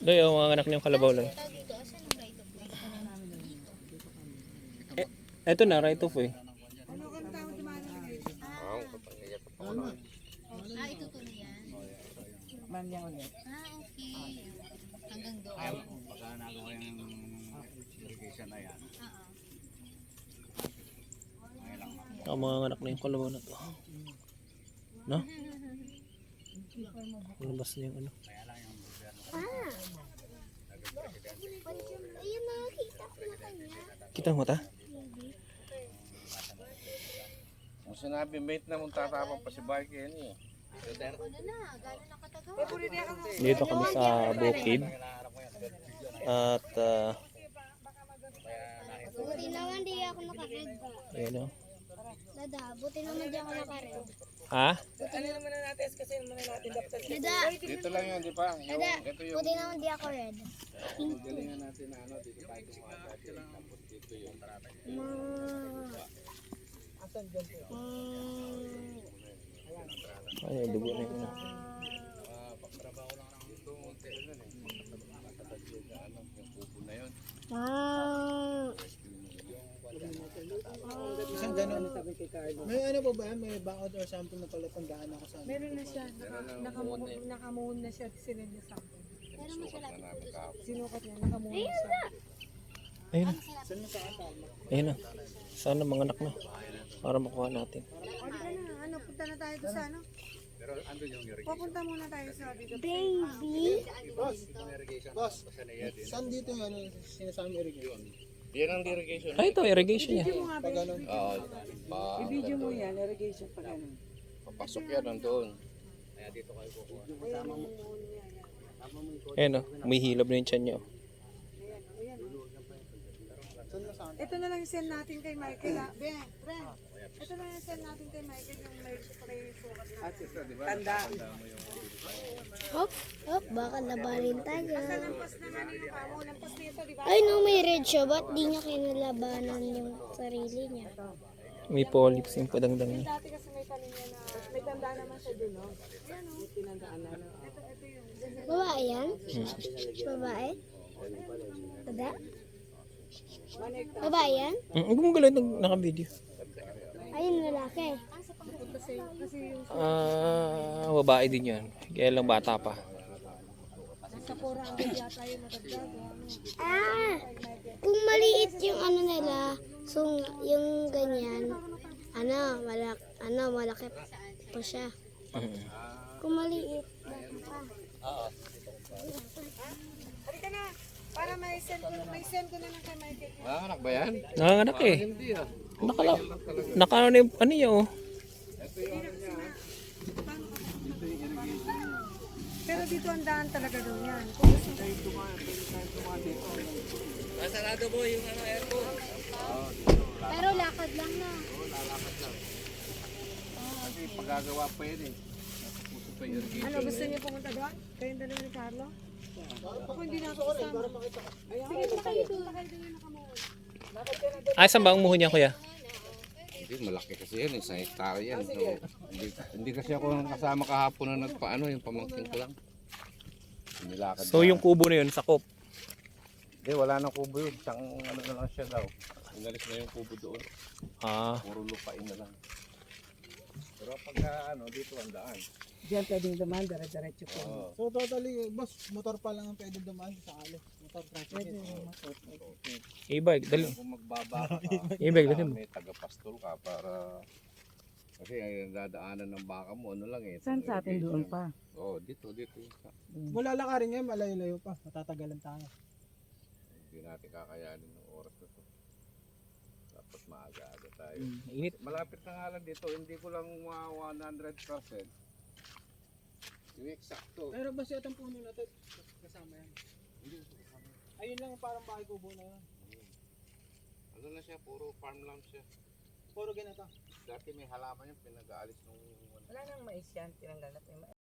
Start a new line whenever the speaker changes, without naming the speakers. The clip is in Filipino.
Doy, yung mga anak niyong kalabaw lang.
Dito, asan ang right of way?
Eto na, right of way.
Ito to na yan.
Manya ulit.
Okay. Hanggang doon.
Pagka nagawa yung irrigation na yan.
Ang mga anak na yung kalabaw na to. No? Labas na yung ano.
Ayun, nakakita ko na kanya.
Kita mo ta?
Kung sinabi mate na mong tatapang pa si Barky yan eh.
Ano na, gano'n nakatagaw.
Dito kami sa bukid. At
Buti naman di ako nakared.
ayun o.
Dada, buti naman di ako nakared.
Ha?
Ano naman na natin kasi naman natin dapat.
Dada,
Dito lang yan, di ba?
dada,
Ito yung
buti naman di ako red.
galingan natin na ano, dito tayo gumawa dati. Tapos dito yung
Asan dyan po?
Ay, dugo na yun.
pagtrabaho lang ng dito. Konti yun eh. Matalag yung ano, yung kubo na yun.
Isang gano'n sabi kay Carlo.
May ano pa ba yan? May bakod or something na pala tandaan ako sa
Meron na siya. Nakamuhon na siya. Sinend niya sa akin.
Pero masyalapit po doon.
Sinukat niya. Nakamuhon na siya.
Ayun na. Ayun na. Sana mga anak na. Para makuha natin.
Ano, punta na tayo doon sa ano?
Pero andun yung irrigation.
Pupunta muna tayo sa dito.
Baby.
Boss, saan dito yung ano, sinasama irrigation?
Yan ang irrigation.
Ay, ito, irrigation niya.
Pag ano,
Oo.
I-video mo yan. Irrigation pa ganun.
Papasok yan nandun.
Ayun o. May hilab na yung tiyan niya.
Ito na lang yung send natin kay Michael. Ben, ito na lang yung send natin kay Michael yung may spray sukat na. Tanda.
Hop, hop, baka labanin tayo.
Lampas naman yung kamo. Lampas nito, di ba?
Ay no, may red siya. Ba't di niya kinalabanan yung sarili niya?
May polyps yung padangdang niya.
Dati kasi may kanya na, may tanda naman siya dun, no? Ayan, no? Tinandaan na. Ito yung,
Babae yan? Babae? Dada? Babae yan?
Ang gumagalaw ng naka-video.
Ayun, lalaki.
kasi yung
Babae din yan. Kaya lang bata pa.
sa 400 yata yung natagdag.
Ah! Kung maliit yung ano nila, so yung ganyan, malaki pa siya. Kung maliit, bata pa.
Halika na! Para may send ko na lang kay Michael.
Anak ba yan?
Nanganganak eh.
Hindi ah.
Naka ano yung ano niya oh.
Pero dito ang daan talaga doon yan. Kung gusto
Sarado mo yung ano, aircon.
Pero lakad lang na.
Kasi pagagawa pa yun eh. Puso pa yung irrigation.
ano, gusto niyo pumunta doon? Kayong dalawa ni Carlo? Ako hindi na ako kasama. Sige, punta kayo doon.
Ay, saan ba ang muho niya kuya?
Hindi, malaki kasi yan, isang hektare yan. So, hindi kasi ako kasama kahapon na nagpaano, yung pamangkin ko lang. Nilakad
So yung kubo na yun, sakop.
Hindi, wala nang kubo yun. Isang ano na lang siya daw. Inalis na yung kubo doon.
Ah,
Puro lupain na lang. Pero pagka ano, dito ang daan.
Diyan pwedeng dumaan, dire-diretso po.
Oo.
so totally, boss, motor pa lang ang pwede dumaan sa kali. Motor traffic.
e-bike, dali.
Kung magbaba ka,
E-bike, dali mo.
may tagapastol ka para kasi ay dadaanan ng baka mo, ano lang eh.
Saan sa atin doon pa?
Oo, dito.
Wala lakarin ngayon, malayo-layo pa. Matatagalan tayo.
Hindi natin kakayanin ng oras na to. Dapat maaga-aga tayo.
Init.
Malapit na nga lang dito, hindi ko lang 100%. Yung eksakto.
Pero ba siya itong puno na ito? Kasama yan. Ayun lang parang bahay kubo na yun.
Ano na siya, puro farm lang siya.
Puro ganito.
Dati may halaman yung pinag-aalis nung
Wala nang mais yan, tinanggal na